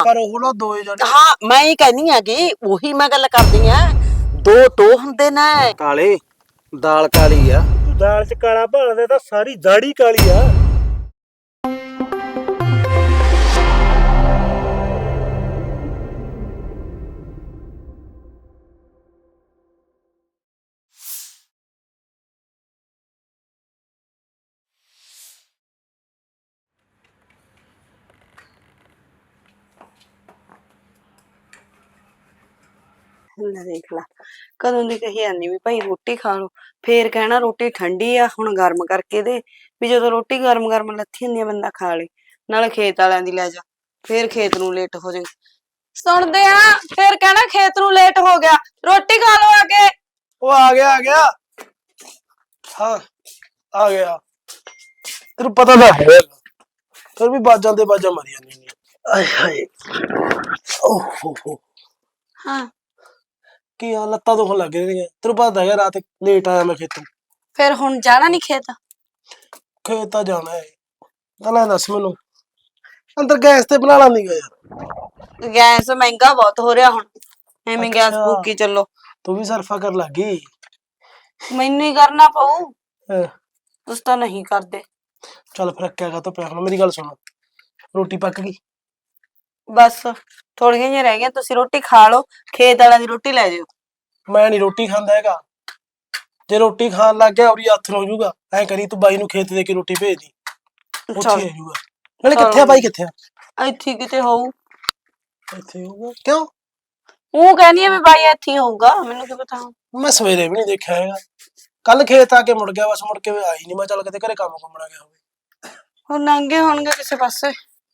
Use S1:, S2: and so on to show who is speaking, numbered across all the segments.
S1: ਪਰ ਉਹ ਨਾ ਦੋਏ ਜਣੇ
S2: ਹਾਂ ਮੈਂ ਹੀ ਕਹਿਨੀ ਆ ਕਿ ਉਹੀ ਮੈਂ ਗੱਲ ਕਰਦੀ ਆ। ਦੋ ਟੋ ਹੁੰਦੇ ਨੇ।
S1: ਕਾਲੇ ਦਾਲ ਕਾਲੀ ਆ।
S3: ਤੂੰ ਦਾਲ ਚ ਕਾਲਾ ਭਾਲਦਾ ਤਾਂ ਸਾਰੀ ਦਾੜੀ ਕਾਲੀ ਆ।
S4: ਲੈ ਦੇਖ ਲਾ ਕਦੋਂ ਦੀ ਕਹੀ ਜਾਂਦੀ ਵੀ ਭਾਈ ਰੋਟੀ ਖਾ ਲਓ, ਫੇਰ ਕਹਿਣਾ ਰੋਟੀ ਠੰਡੀ ਆ ਹੁਣ ਗਰਮ ਕਰਕੇ ਦੇ। ਵੀ ਜਦੋਂ ਰੋਟੀ ਗਰਮ ਗਰਮ ਲੱਥੀ ਹੁੰਦੀ ਆ ਬੰਦਾ ਖਾ ਲੇ। ਨਾਲੇ ਖੇਤ ਵਾਲਿਆਂ ਦੀ ਲੈ ਜਾ, ਫੇਰ ਖੇਤ ਨੂੰ ਲੇਟ ਹੋ ਜਾਏ। ਸੁਣਦੇ ਆ ਫੇਰ ਕਹਿਣਾ ਖੇਤ ਨੂੰ ਲੇਟ ਹੋ ਗਿਆ, ਰੋਟੀ ਖਾ ਲਓ ਆ ਕੇ।
S1: ਉਹ ਆ ਗਿਆ ਹਾਂ ਆ ਗਿਆ। ਤੈਨੂੰ ਪਤਾ ਤਾਂ ਹੈ ਫਿਰ ਵੀ ਬਾਜਾਂ ਤੇ ਬਾਜਾਂ ਮਾਰੀ ਜਾਂਦੀ ਨੇ। ਆਏ ਹਾਏ ਓਹ
S4: ਹਾਂ
S1: ਕੀ ਆ ਲੱਤਾਂ ਦੁਖਣ ਲੱਗ ਰਹੀਆਂ। ਤੈਨੂੰ ਪਤਾ ਹੈਗਾ ਰਾਤ ਲੇਟ ਆਇਆ ਮੈਂ ਖੇਤੋਂ।
S4: ਫੇਰ ਹੁਣ ਜਾਣਾ ਨੀ ਖੇਤ?
S1: ਖੇਤ ਤਾਂ ਜਾਣਾ ਹੈ। ਤਾਂ ਦੱਸ ਮੈਨੂੰ ਅੰਦਰ ਗੈਸ ਤੇ ਬਣਾ ਲਾਂਦੀਗਾ ਯਾਰ।
S4: ਗੈਸ ਮਹਿੰਗਾ ਬਹੁਤ ਹੋ ਰਿਹਾ ਹੁਣ, ਐਵੇਂ ਗੈਸ ਫੂਕੀ ਚੱਲੋ।
S1: ਤੂੰ ਵੀ ਸਰਫਾ ਕਰ ਲੱਗੀ।
S4: ਮੈਨੂੰ ਹੀ ਕਰਨਾ ਪਊ,
S1: ਹਾਂ,
S4: ਤੁਸੀਂ ਤਾਂ ਨਹੀਂ ਕਰਦੇ।
S1: ਚੱਲ ਫਿਰ ਅੱਕਿਆ ਤਾਂ ਪਿਆ। ਹੁਣ ਮੇਰੀ ਗੱਲ ਸੁਣ, ਰੋਟੀ ਪੱਕ ਗਈ?
S4: ਬਸ ਥੋੜੀਆਂ ਜਿਹੀਆਂ ਰਹਿ ਗਈਆਂ, ਤੁਸੀਂ ਰੋਟੀ ਖਾ ਲਓ, ਖੇਤ ਵਾਲਿਆਂ ਦੀ ਰੋਟੀ ਲੈ ਜਾਓ।
S1: ਮੈਂ ਨੀ ਰੋਟੀ ਖਾਂਦਾ ਹੈਗਾ। ਜੇ ਰੋਟੀ ਖਾਣ ਲੱਗ ਗਿਆ ਉਰੀ ਹੱਥ ਹੋ ਜਾਊਗਾ। ਐ ਕਰੀ ਤੂੰ ਬਾਈ ਨੂੰ ਖੇਤ ਦੇ ਕੇ ਰੋਟੀ ਭੇਜ ਦੀ, ਉੱਥੇ ਆ ਜਾਊਗਾ। ਨਾਲੇ ਕਿੱਥੇ ਆ ਬਾਈ, ਕਿੱਥੇ ਆ?
S4: ਇੱਥੇ ਕਿਤੇ ਹੋਊ।
S1: ਇੱਥੇ ਹੋਊਗਾ ਕਿਉਂ?
S4: ਉਹ ਕਹਿੰਦੀ ਆ ਵੀ ਬਾਈ ਇੱਥੇ ਹੀ ਹੋਊਗਾ, ਮੈਨੂੰ ਕੀ ਪਤਾ।
S1: ਮੈਂ ਸਵੇਰੇ ਵੀ ਨਹੀਂ ਦੇਖਿਆ ਹੈਗਾ। ਕੱਲ ਖੇਤ ਆ ਕੇ ਮੁੜ ਗਿਆ, ਬਸ ਮੁੜ ਕੇ ਆਈ ਨਹੀਂ। ਮੈਂ ਚੱਲ ਕਿਤੇ ਘਰੇ ਕੰਮ ਕੁੰਮਣਾ ਗਿਆ ਹੋਵੇ।
S4: ਹੁਣ ਲੰਘੇ ਹੋਣਗੇ ਕਿਸੇ ਪਾਸੇ।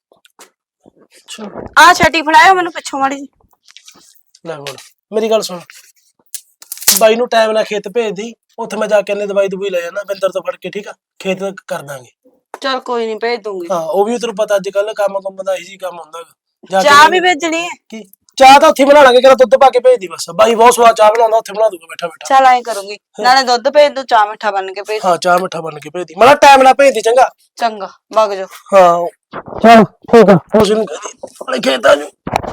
S4: ਆ ਛਟੀ ਫੜਾਇਓ ਮੈਨੂੰ ਪਿੱਛੋਂ ਮਾੜੀ ਜੀ।
S1: ਲੈ ਹੁਣ ਮੇਰੀ ਗੱਲ ਸੁਣ, ਬਾਈ ਨੂੰ ਟਾਈਮ ਨਾਲ ਖੇਤ ਭੇਜ ਦੀ। ਉੱਥੇ ਮੈਂ ਜਾ ਕੇ ਇਹਨੇ ਦਵਾਈ ਦਵਾਈ ਲੈ ਜਾਣਾ ਬਿੰਦਰ ਤੋਂ ਫੜ ਕੇ, ਠੀਕ ਆ? ਖੇਤ ਕਰ ਦਾਂਗੇ।
S4: ਚਲ ਕੋਈ ਨਹੀਂ ਭੇਜ ਦੂੰਗੀ।
S1: ਹਾਂ ਉਹ ਵੀ ਤੈਨੂੰ ਪਤਾ ਅੱਜ ਕੱਲ ਕੰਮ ਕੁੰਮ ਦਾ ਇਹੀ ਕੰਮ ਹੁੰਦਾ ਹੈਗਾ।
S4: ਚਾਹ ਵੀ ਭੇਜਣੀ ਹੈ?
S1: ਕੀ ਚਾਹ ਤਾਂ ਉੱਥੇ ਬਣਾ ਲਾਂਗੇ, ਕਿਹੜਾ ਦੁੱਧ ਪਾ ਕੇ ਭੇਜ ਦੀ ਬਸ। ਬਾਈ ਬਹੁਤ ਸਵਾਦ ਚਾਹ ਬਣਾਉਂਦਾ, ਉੱਥੇ ਬਣਾ ਦੂੰਗਾ ਬੈਠਾ ਬੈਠਾ।
S4: ਚਲ ਐਂ ਕਰੂੰਗੀ, ਨਾਲੇ ਦੁੱਧ ਭੇਜ ਦੂ, ਚਾਹ ਮਿੱਠਾ ਬਣ ਕੇ ਭੇਜ।
S1: ਹਾਂ ਚਾਹ ਮਿੱਠਾ ਬਣ ਕੇ ਭੇਜ ਦੀ, ਮੈਂ ਟਾਈਮ ਨਾਲ ਭੇਜ ਦੀ। ਚੰਗਾ
S4: ਚੰਗਾ ਵਗ ਜਾਓ।
S1: ਹਾਂ ਚਲ ਠੀਕ ਆ। ਉਸ ਨੂੰ ਕਹਦੀ ਖੇਤ ਆ ਜੂ।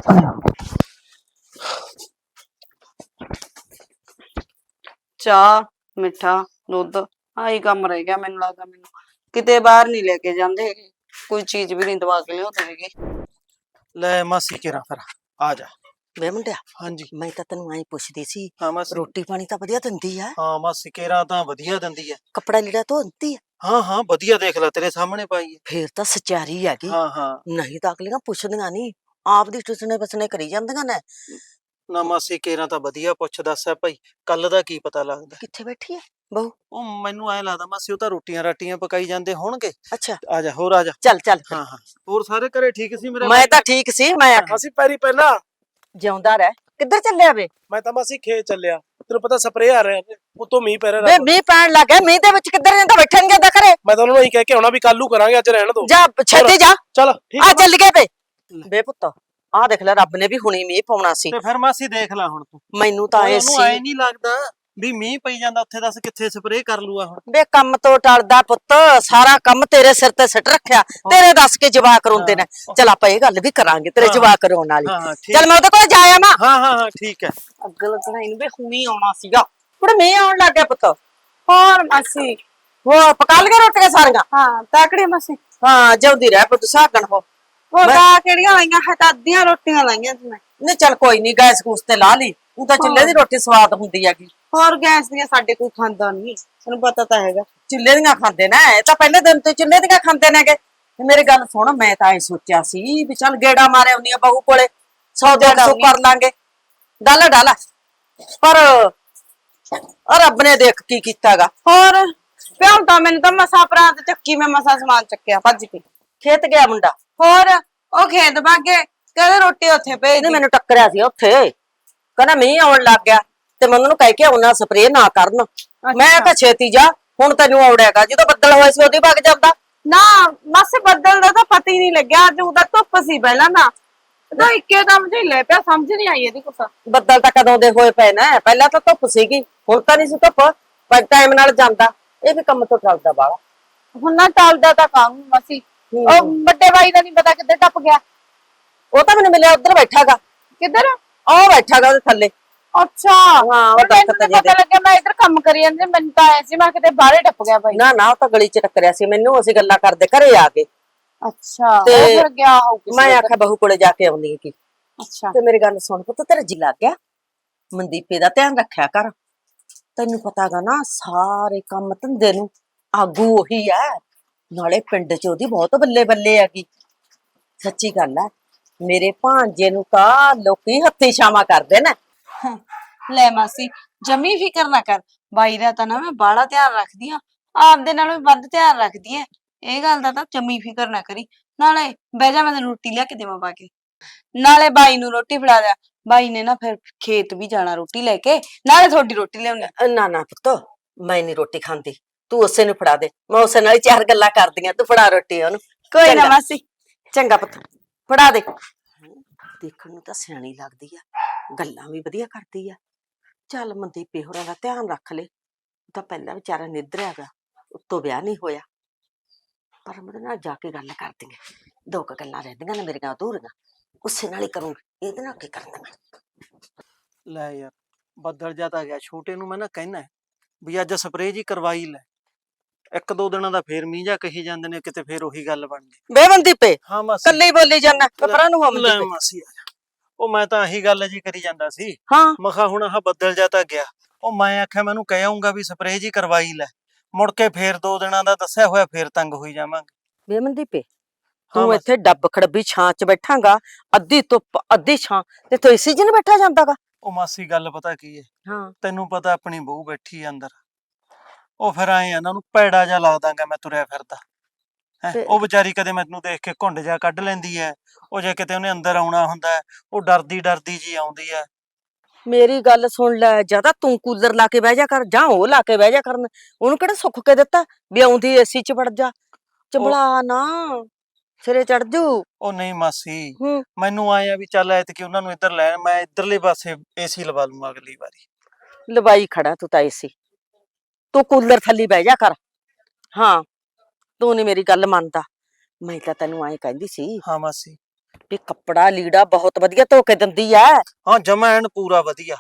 S4: ਚਾਹ ਮਿੱਠਾ ਦੁੱਧ ਆਹੀ ਕੰਮ ਰਹਿ ਗਿਆ ਮੈਨੂੰ ਲੱਗਦਾ। ਮੈਨੂੰ ਕਿਤੇ ਬਾਹਰ ਨਹੀਂ ਲੈ ਕੇ ਜਾਂਦੇ ਹੈਗੇ, ਕੋਈ ਚੀਜ਼ ਵੀ ਨਹੀਂ ਦਵਾ ਕੇ ਲਿਆਉਂਦੇ ਹੈਗੇ।
S3: ਲੈ ਮਾਸੀ ਕਿਰਾ ਫਿਰ ਆ ਜਾ।
S2: ਵੇ ਮੁੰਡਿਆ,
S3: ਹਾਂਜੀ
S2: ਮੈਂ ਤਾਂ ਤੈਨੂੰ ਐਂ ਪੁੱਛਦੀ ਸੀ,
S3: ਹਾਂ ਮਾਸੀ।
S2: ਰੋਟੀ ਪਾਣੀ ਤਾਂ ਵਧੀਆ ਦਿੰਦੀ ਆ?
S3: ਹਾਂ ਮਾਸੀ ਕਿਰਾ ਤਾਂ ਵਧੀਆ ਦਿੰਦੀ ਆ।
S2: ਕੱਪੜਾ ਲੀੜਾ ਧੋਂਦੀ ਆ?
S3: ਹਾਂ ਵਧੀਆ, ਦੇਖ ਲੈ ਤੇਰੇ ਸਾਹਮਣੇ ਪਾਈ ਹੈ।
S2: ਫੇਰ ਤਾਂ ਸਚਾਰੀ ਹੈਗੀ।
S3: ਹਾਂ
S2: ਨਹੀਂ ਤਾਂ ਅਗਲੀਆਂ ਪੁੱਛਦੀਆਂ ਨਹੀਂ, ਆਪ ਦੀ ਟੁਸਣੇ ਬਸਣੇ ਕਰੀ ਜਾਂਦੀਆਂ ਨੇ।
S3: ਨਾ ਮਾਸੀ ਕਿਰਾ ਤਾਂ ਵਧੀਆ। ਪੁੱਛ ਦੱਸ ਹੈ ਭਾਈ, ਕੱਲ ਦਾ ਕੀ ਪਤਾ ਲੱਗਦਾ।
S2: ਕਿੱਥੇ ਬੈਠੀ ਆ ਬਹੂ?
S3: ਉਹ ਮੈਨੂੰ ਐ ਲੱਗਦਾ ਮਾਸੀ ਉਹ ਤਾਂ ਰੋਟੀਆਂ ਰਾਟੀਆਂ ਪਕਾਈ ਜਾਂਦੇ ਹੋਣਗੇ।
S2: ਅੱਛਾ
S3: ਆ ਜਾ, ਹੋਰ ਆ ਜਾ।
S2: ਚੱਲ ਚੱਲ।
S3: ਹਾਂ ਹੋਰ ਸਾਰੇ ਘਰੇ ਠੀਕ ਸੀ ਮੇਰੇ?
S2: ਮੈਂ ਤਾਂ ਠੀਕ ਸੀ। ਮੈਂ ਆਖਾਂ
S1: ਅਸੀਂ ਪੈਰੀ ਪਹਿਲਾਂ
S2: ਜਿਉਂਦਾ ਰਹਿ। ਕਿੱਧਰ ਚੱਲਿਆ ਵੇ?
S1: ਮੈਂ ਤਾਂ ਮਾਸੀ ਖੇਤ ਚੱਲਿਆ। ਤੈਨੂੰ ਪਤਾ ਸਪਰੇਅ ਆ ਰਿਹਾ, ਉਤੋਂ ਮੀਂਹ ਪੈ
S2: ਵੇ
S1: ਰਿਹਾ।
S2: ਮੀਂਹ ਪੈਣ ਲੱਗ ਗਿਆ, ਮੀਂਹ ਦੇ ਵਿੱਚ ਕਿੱਧਰ ਜਾਂਦਾ? ਬੈਠਣ ਗਿਆ ਘਰੇ।
S1: ਮੈਂ ਤਾਂ ਉਹਨਾਂ ਨੂੰ ਇਹੀ ਕਹਿ ਕੇ ਆਉਣਾ ਵੀ ਕੱਲ ਨੂੰ ਕਰਾਂਗੇ, ਅੱਜ ਰਹਿਣ ਦੋ।
S2: ਜਾ ਛੇਤੀ ਜਾ।
S1: ਚੱਲ ਠੀਕ
S2: ਆ ਚੱਲ ਗਏ ਵੇ। ਵੇ ਪੁੱਤ ਆਹ ਦੇਖ ਲੈ, ਰੱਬ ਨੇ ਵੀ ਹੁਣੀ ਮੀਂਹ ਪਾਉਣਾ ਸੀ।
S3: ਤੇ ਫਿਰ ਮਾਸੀ ਦੇਖ ਲੈ ਹੁਣ ਤੂੰ।
S2: ਮੈਨੂੰ ਤਾਂ ਐ
S3: ਉਹਨੂੰ ਐ
S2: ਸੀ
S3: ਨਹੀਂ ਲੱਗਦਾ ਵੀ ਮੀਂਹ ਪਈ ਜਾਂਦਾ ਉੱਥੇ, ਦੱਸ ਕਿੱਥੇ ਸਪਰੇਅ ਕਰ ਲੂਆ ਹੁਣ।
S2: ਵੇ ਕੰਮ ਤੋਂ ਟਲਦਾ ਪੁੱਤ, ਸਾਰਾ ਕੰਮ ਤੇਰੇ ਸਿਰ ਤੇ ਸਿੱਟ ਰੱਖਿਆ। ਤੇਰੇ ਦੱਸ ਕੇ ਜਵਾਕ ਰੋਂਦੇ ਨੇ। ਚਲ ਆਪਾਂ ਇਹ ਗੱਲ ਵੀ ਕਰਾਂਗੇ ਤੇਰੇ ਜਵਾਕ ਰੋਣ ਵਾਲੀ। ਚੱਲ ਮੈਂ ਉਹਦੇ ਕੋਲ ਜਾਇਆ ਮਾ।
S3: ਹਾਂ ਠੀਕ ਹੈ।
S4: ਅੱਗ ਲੱਗਣਾ ਇਹਨੂੰ ਵੀ ਹੁਣੀ ਆਉਣਾ ਸੀਗਾ।
S2: ਕੁੜੇ ਮੀਂਹ ਆਉਣ ਲੱਗ ਗਿਆ ਪੁੱਤ।
S4: ਹੋਰ ਮਾਸੀ?
S2: ਉਹ ਪਕਾ ਲਈਆਂ ਰੋਟੀਆਂ ਸਾਰੀਆਂ?
S4: ਹਾਂ ਤਾਕੜੀ ਮਾਸੀ।
S2: ਹਾਂ ਜਿਉਂਦੀ ਰਹਿ ਪੁੱਤ, ਸਾਗਣ ਹੋ।
S4: ਉਹ ਤਾਂ ਕਿਹੜੀਆਂ ਆਈਆਂ ਹੈ, ਤਾਂ ਅੱਧੀਆਂ ਰੋਟੀਆਂ ਲਾਈਆਂ ਸੀ ਮੈਂ।
S2: ਨਹੀਂ ਚੱਲ ਕੋਈ ਨਹੀਂ, ਗੈਸ ਗੂਸ ਤੇ ਲਾ ਲਈ। ਉਹ ਤਾਂ ਚੁੱਲ੍ਹੇ ਦੀ ਰੋਟੀ ਸਵਾਦ ਹੁੰਦੀ ਹੈਗੀ।
S4: ਹੋਰ ਗੈਸ ਦੀਆਂ ਸਾਡੇ ਕੋਈ ਖਾਂਦਾ ਨਹੀਂ, ਤੁਹਾਨੂੰ ਪਤਾ ਤਾਂ ਹੈਗਾ।
S2: ਚੁੱਲ੍ਹੇ ਦੀਆਂ ਖਾਂਦੇ ਨੇ, ਇਹ ਤਾਂ ਪਹਿਲੇ ਦਿਨ ਤੋਂ ਚੁੱਲ੍ਹੇ ਦੀਆਂ ਖਾਂਦੇ ਨੇਗੇ। ਮੇਰੀ ਗੱਲ ਸੁਣ, ਮੈਂ ਤਾਂ ਇਹ ਸੋਚਿਆ ਸੀ ਵੀ ਚੱਲ ਗੇੜਾ ਮਾਰੇ ਆਉਣੀ ਆ ਬਹੂ ਕੋਲੇ, 100-150 ਕਰ ਲਾਂਗੇ। ਡਾਲਾ ਪਰ ਰੱਬ ਨੇ ਦੇਖ ਕੀ ਕੀਤਾਗਾ।
S4: ਹੋਰ ਪਿਓ ਤਾਂ ਮੈਨੂੰ ਤਾਂ ਮਸਾ ਪ੍ਰਾਂਤ ਚੱਕੀ, ਮੈਂ ਮਸਾ ਸਮਾਨ ਚੱਕਿਆ ਭੱਜ ਕੇ।
S2: ਖੇਤ ਗਿਆ ਮੁੰਡਾ?
S4: ਹੋਰ ਉਹ ਖੇਤ ਭਾਗੇ, ਕਹਿੰਦੇ ਰੋਟੀ ਉੱਥੇ ਭੇਜ।
S2: ਮੈਨੂੰ ਟੱਕਰਿਆ ਸੀ ਉੱਥੇ, ਕਹਿੰਦਾ ਮੀਂਹ ਆਉਣ ਲੱਗ ਗਿਆ ਤੇ ਮੈਂ ਉਹਨਾਂ ਨੂੰ ਕਹਿ ਕੇ ਆਉਣਾ ਸਪਰੇਅ ਨਾ ਕਰਨ। ਮੈਂ ਕਿਹਾ ਛੇਤੀ ਜਾ, ਹੁਣ ਤੈਨੂੰ ਆਉੜਿਆਗਾ। ਜਦੋਂ ਬੱਦਲ ਹੋਇਆ ਸੀ ਉਹਦੀ ਵਗ ਜਾਂਦਾ
S4: ਨਾ। ਮਾਸੇ ਬੱਦਲ ਦਾ ਤਾਂ ਪਤਾ ਹੀ ਨਹੀਂ ਲੱਗਿਆ, ਅੱਜ ਉਹਦਾ ਧੁੱਪ ਸੀ ਪਹਿਲਾਂ ਨਾ, ਤਾਂ ਇੱਕੇ ਦਮ ਝਿੱਲੇ ਪਿਆ, ਸਮਝ ਨਹੀਂ ਆਈ ਇਹਦੀ ਕੁਛ।
S2: ਬੱਦਲ ਤਾਂ ਕਦੋਂ ਦੇ ਹੋਏ ਪਏ ਨੇ, ਪਹਿਲਾਂ ਤਾਂ ਧੁੱਪ ਸੀਗੀ, ਹੁਣ ਤਾਂ ਨਹੀਂ ਸੀ ਧੁੱਪ। ਪਰ ਟਾਈਮ ਨਾਲ ਜਾਂਦਾ, ਇਹ ਵੀ ਕੰਮ ਤੋਂ ਟਲਦਾ ਬਾਲਾ।
S4: ਹੁਣ ਨਾ ਟਲਦਾ ਤਾਂ ਕੰਮ ਮਾਸੀ। ਉਹ ਵੱਡੇ ਬਾਈ ਦਾ ਨਹੀਂ ਪਤਾ ਕਿੱਧਰ ਟੱਪ ਗਿਆ।
S2: ਉਹ ਤਾਂ ਮੈਨੂੰ ਮਿਲਿਆ ਉੱਧਰ ਬੈਠਾਗਾ।
S5: ਕਿੱਧਰ?
S2: ਉਹ ਬੈਠਾਗਾ ਉਹਦੇ ਥੱਲੇ।
S5: ਅੱਛਾ
S2: ਹਾਂ, ਉਹ
S5: ਮੈਨੂੰ
S2: ਦਰਖਤ
S5: ਤਾਂ
S2: ਜਿਹੇ
S5: ਪਤਾ ਲੱਗਿਆ ਮੈਂ ਇੱਧਰ ਕੰਮ ਕਰੀ ਜਾਂਦੀ ਮੈਨੂੰ ਤਾਂ ਐ ਸੀ ਮੈਂ ਕਿਤੇ ਬਾਹਰੇ ਟੱਪ ਗਿਆ ਬਾਈ।
S2: ਨਾ ਉਹ ਤਾਂ ਗਲੀ ਚ ਟੱਕਰਿਆ ਸੀ ਮੈਨੂੰ, ਅਸੀਂ ਗੱਲਾਂ ਕਰਦੇ ਘਰੇ ਆ ਕੇ।
S5: ਅੱਛਾ ਉਹ
S2: ਤੇ
S5: ਫਿਰ ਗਿਆ ਹੋਊ ਕਿਸੇ
S2: ਮੈਂ
S5: ਦੇ
S2: ਆਖਿਆ ਬਹੂ ਕੋਲੇ ਜਾ ਕੇ ਆਉਂਦੀ ਕੀ।
S5: ਅੱਛਾ
S2: ਤੇ ਮੇਰੀ ਗੱਲ ਸੁਣ ਪੁੱਤ, ਤੇਰਾ ਜੀ ਲੱਗ ਗਿਆ? ਮਨਦੀਪੇ ਦਾ ਧਿਆਨ ਰੱਖਿਆ ਕਰ। ਤੈਨੂੰ ਪਤਾਗਾ ਨਾ ਸਾਰੇ ਕੰਮ ਧੰਦੇ ਨੂੰ ਆਗੂ ਉਹੀ ਐ, ਨਾਲੇ ਪਿੰਡ ਚ ਉਹਦੀ ਬਹੁਤ ਬੱਲੇ ਬੱਲੇ ਹੈਗੀ। ਸੱਚੀ ਗੱਲ ਐ, ਮੇਰੇ ਭਾਂਜੇ ਨੂੰ ਤਾਂ ਲੋਕੀ ਹੱਥੀ ਛਾਵਾਂ ਕਰਦੇ ਨੇ।
S4: ਲੈ ਮਾਸੀ ਜਮੀ ਫਿਕਰ ਨਾ ਕਰ, ਬਾਈ ਦਾ ਤਾਂ ਨਾ ਮੈਂ ਬਾਹਲਾ ਧਿਆਨ ਰੱਖਦੀ ਆ, ਆਪਦੇ ਨਾਲੋਂ ਵੀ ਵੱਧ ਧਿਆਨ ਰੱਖਦੀ ਐ। ਇਹ ਗੱਲ ਦਾ ਤਾਂ ਜਮੀ ਫਿਕਰ ਨਾ ਕਰੀ। ਨਾਲੇ ਬਹਿ ਜਾ, ਮੈਂ ਤੈਨੂੰ ਰੋਟੀ ਲਿਆ ਕੇ ਦੇਵਾਂ ਪਾ ਕੇ। ਨਾਲੇ ਬਾਈ ਨੂੰ ਰੋਟੀ ਫੜਾ ਦਿਆ, ਬਾਈ ਨੇ ਨਾ ਫਿਰ ਖੇਤ ਵੀ ਜਾਣਾ ਰੋਟੀ ਲੈ ਕੇ, ਨਾਲੇ ਤੁਹਾਡੀ ਰੋਟੀ ਲਿਆਉਣੀ।
S2: ਨਾ ਪੁੱਤ, ਮੈਂ ਨਹੀਂ ਰੋਟੀ ਖਾਂਦੀ, ਤੂੰ ਉਸੇ ਨੂੰ ਫੜਾ ਦੇ, ਮੈਂ ਉਸੇ ਨਾਲ ਹੀ ਚਾਰ ਗੱਲਾਂ ਕਰਦੀਆਂ। ਤੂੰ ਫੜਾ ਰੋਟੀ ਉਹਨੂੰ।
S4: ਕੋਈ ਨਾ
S2: ਚੰਗਾ।
S4: ਮਾਸੀ।
S2: ਚੰਗਾ ਪੁੱਤ, ਫੜਾ ਦੇ। ਦੇਖਣ ਨੂੰ ਤਾਂ ਸਿਆਣੀ ਲੱਗਦੀ ਆ, ਗੱਲਾਂ ਵੀ ਵਧੀਆ ਕਰਦੀ ਆ। ਚੱਲ ਮਨਦੀਪੇ ਹੋਰਾਂ ਦਾ ਧਿਆਨ ਰੱਖ ਲੈ, ਉਹ ਤਾਂ ਪਹਿਲਾਂ ਵਿਚਾਰਾ ਨਿੱਧਰਿਆ ਗਾ, ਉੱਤੋਂ ਵਿਆਹ ਨਹੀਂ ਹੋਇਆ। ਪਰ ਮੈਂ ਉਹਦੇ ਨਾਲ ਜਾ ਕੇ ਗੱਲ ਕਰਦੀ ਆ, ਦੋ ਕੁ ਗੱਲਾਂ ਰਹਿੰਦੀਆਂ ਨੇ ਮੇਰੀਆਂ ਅਧੂਰੀਆਂ, ਉਸੇ ਨਾਲ ਹੀ ਕਰੂੰਗੀ, ਇਹਦੇ ਨਾਲ ਕੀ ਕਰਨਾ ਮੈਂ।
S3: ਲੈ ਯਾਰ, ਬੱਦਲ ਜਾ ਤਾਂ ਗਿਆ। ਛੋਟੇ ਨੂੰ ਮੈਂ ਨਾ ਕਹਿਣਾ ਵੀ ਅੱਜ ਸਪਰੇਅ ਜੀ ਕਰਵਾਈ ਲੈ, ਇੱਕ ਦੋ ਦਿਨਾਂ ਦਾ ਫੇਰ ਮੀਂਹ ਜਾ ਕਹੀ ਜਾਂਦੇ ਨੇ, ਕਿਤੇ ਫੇਰ ਉਹੀ ਗੱਲ ਬਣ ਗਈ।
S2: ਬੇ ਮਨਦੀਪੇ,
S3: ਹਾਂ ਮਾਸੀ।
S2: ਕੱਲੇ ਹੀ ਬੋਲੀ ਜਾਂਦਾ, ਪਰਾਂ ਨੂੰ ਹੋ
S3: ਲੈ
S2: ਮਨਦੀਪੇ।
S3: ਮਾਸੀ ਆ ਜਾ। ਉਹ ਮੈਂ ਤਾਂ ਆਹੀ ਗੱਲ ਜੀ ਕਰੀ ਜਾਂਦਾ ਸੀ।
S2: ਹਾਂ
S3: ਮੈਂ ਕਿਹਾ ਹੁਣ ਆਹ ਬੱਦਲ ਜਾ ਤਾਂ ਗਿਆ, ਉਹ ਮੈਂ ਆਖਿਆ ਮੈਨੂੰ ਕਹਿ ਆਉਂਗਾ ਵੀ ਸਪਰੇਅ ਜੀ ਕਰਵਾਈ ਲੈ, ਮੁੜ ਕੇ ਫੇਰ 2 ਦਿਨਾਂ ਦਾ ਦੱਸਿਆ ਹੋਇਆ ਫੇਰ ਤੰਗ ਹੋਈ ਜਾਵਾਂਗੇ।
S2: ਬੇ ਮਨਦੀਪੇ,
S3: ਹਾਂ
S2: ਤੂੰ
S3: ਮਾਸੀ।
S2: ਇੱਥੇ ਡੱਬ ਖੜੱਬੀ ਛਾਂ ਚ ਬੈਠਾਂਗਾ, ਅੱਧੀ ਧੁੱਪ ਅੱਧੀ ਛਾਂ, ਤੇ ਤੂੰ ਇਸੀ ਚ ਨੀ ਬੈਠਾ ਜਾਂਦਾਗਾ।
S3: ਉਹ ਮਾਸੀ ਗੱਲ ਪਤਾ ਕੀ ਹੈ,
S2: ਹਾਂ
S3: ਤੈਨੂੰ ਪਤਾ ਆਪਣੀ ਬਹੂ ਬੈਠੀ ਆ ਅੰਦਰ, ਉਹ ਫਿਰ ਆਏ ਇਹਨਾਂ ਨੂੰ ਭੈੜਾ ਜਿਹਾ ਲੱਗਦਾਗਾ ਮੈਂ ਤੁਰਿਆ ਫਿਰਦਾ ਹੈ।
S2: ਤੇ-
S3: ਉਹ ਵਿਚਾਰੀ ਕਦੇ ਮੈਨੂੰ ਦੇਖ ਕੇ ਘੁੰਡ ਜਾ ਕੱਢ ਲੈਂਦੀ ਹੈ, ਉਹ ਜੇ ਕਿਤੇ ਉਹਨੇ ਅੰਦਰ ਆਉਣਾ ਹੁੰਦਾ ਉਹ ਡਰਦੀ ਜੀ ਆਉਂਦੀ ਹੈ।
S2: ਮੇਰੀ ਗੱਲ ਸੁਣ ਲੈ, ਜਾਂ ਤਾਂ ਤੂੰ ਕੂਲਰ ਲਾ ਕੇ ਬਹਿ ਜਾ ਕਰ, ਜਾਂ ਉਹ ਲਾ ਕੇ ਬਹਿ ਜਾ ਕਰਨ। ਉਹਨੂੰ ਕਿਹੜਾ ਸੁੱਖ ਕੇ ਦਿੱਤਾ ਵੀ ਆਉਂਦੀ ਏਸੀ ਚ ਵੜ ਜਾ, ਚਬਲਾ ਨਾ ਸਿਰੇ ਚੜ ਜੂ।
S3: ਉਹ ਨਹੀਂ ਮਾਸੀ,
S2: ਹੂੰ
S3: ਮੈਨੂੰ ਆਏ ਆ ਵੀ ਚੱਲ ਐਤਕੀ ਉਹਨਾਂ ਨੂੰ ਇੱਧਰ ਲੈਣ, ਮੈਂ ਇੱਧਰਲੇ ਪਾਸੇ ਏਸੀ ਲਵਾ ਲੂੰਗਾ ਅਗਲੀ ਵਾਰੀ।
S2: ਲਵਾਈ ਖੜਾ ਤੂੰ ਤਾਂ ਏਸੀ, ਤੂੰ ਕੂਲਰ ਥੱਲੇ ਬਹਿ ਜਾ ਕਰ। ਹਾਂ, ਤੂੰ ਨੀ ਮੇਰੀ ਗੱਲ ਮੰਨਦਾ। ਮੈਂ ਤਾਂ ਤੈਨੂੰ ਐਂ ਕਹਿੰਦੀ ਸੀ
S3: ਹਾਂ ਮਾਸੀ।
S2: ਵੀ ਕੱਪੜਾ ਲੀੜਾ ਬਹੁਤ ਵਧੀਆ ਧੋ ਕੇ ਦਿੰਦੀ ਐ।
S3: ਹਾਂ ਜਮਾ ਐਨ ਪੂਰਾ ਵਧੀਆ।